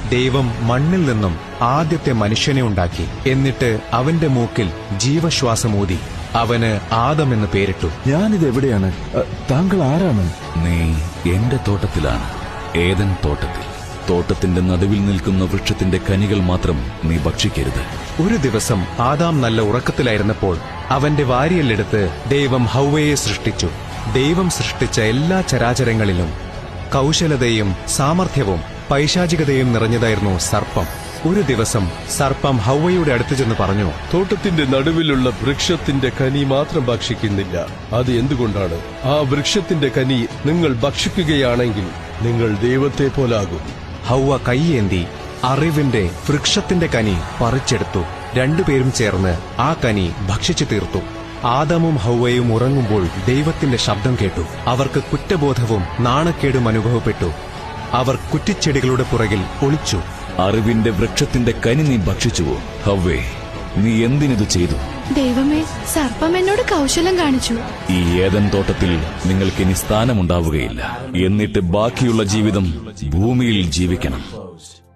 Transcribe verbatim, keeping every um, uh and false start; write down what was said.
ദൈവം മണ്ണിൽ നിന്നും ആദ്യത്തെ മനുഷ്യനെ ഉണ്ടാക്കി. എന്നിട്ട് അവന്റെ മൂക്കിൽ ജീവശ്വാസമൂതി അവന് ആദം എന്ന് പേരിട്ടു. ഞാനിത് എവിടെയാണ്? താങ്കൾ ആരാണ്? നീ എന്റെ തോട്ടത്തിലാണ്, ഏദൻ തോട്ടത്തിൽ. തോട്ടത്തിന്റെ നടുവിൽ നിൽക്കുന്ന വൃക്ഷത്തിന്റെ കനികൾ മാത്രം നീ ഭക്ഷിക്കരുത്. ഒരു ദിവസം ആദാം നല്ല ഉറക്കത്തിലായിരുന്നപ്പോൾ അവന്റെ വാരിയെല്ലെടുത്ത് ദൈവം ഹൗവയെ സൃഷ്ടിച്ചു. ദൈവം സൃഷ്ടിച്ച എല്ലാ ചരാചരങ്ങളിലും കൗശലതയും സാമർഥ്യവും പൈശാചികതയും നിറഞ്ഞതായിരുന്നു സർപ്പം. ഒരു ദിവസം സർപ്പം ഹൗവയുടെ അടുത്ത് ചെന്ന് പറഞ്ഞു, തോട്ടത്തിന്റെ നടുവിലുള്ള വൃക്ഷത്തിന്റെ കനി മാത്രം ഭക്ഷിക്കുന്നില്ല. അത് എന്തുകൊണ്ടാണ്? ആ വൃക്ഷത്തിന്റെ കനി നിങ്ങൾ ഭക്ഷിക്കുകയാണെങ്കിൽ നിങ്ങൾ ദൈവത്തെ പോലാകും. ഹൗവ കൈയേന്തി അറിവിന്റെ വൃക്ഷത്തിന്റെ കനി പറിച്ചെടുത്തു. രണ്ടുപേരും ചേർന്ന് ആ കനി ഭക്ഷിച്ചു തീർത്തു. ആദമും ഹൗവയും ഉറങ്ങുമ്പോൾ ദൈവത്തിന്റെ ശബ്ദം കേട്ടു. അവർക്ക് കുറ്റബോധവും നാണക്കേടും അനുഭവപ്പെട്ടു. അവർ കുറ്റിച്ചെടികളുടെ പുറകിൽ ഒളിച്ചു. അറിവിന്റെ വൃക്ഷത്തിന്റെ കനി നീ ഭക്ഷിച്ചുവോ? ഹവ്വേ, നീ എന്തിനിത് ചെയ്തു? ദൈവമേ, സർപ്പം എന്നോട് കൗശലം കാണിച്ചു. ഈ ഏദൻ തോട്ടത്തിൽ നിങ്ങൾക്കിനി സ്ഥാനമുണ്ടാവുകയില്ല. എന്നിട്ട് ബാക്കിയുള്ള ജീവിതം ഭൂമിയിൽ ജീവിക്കണം.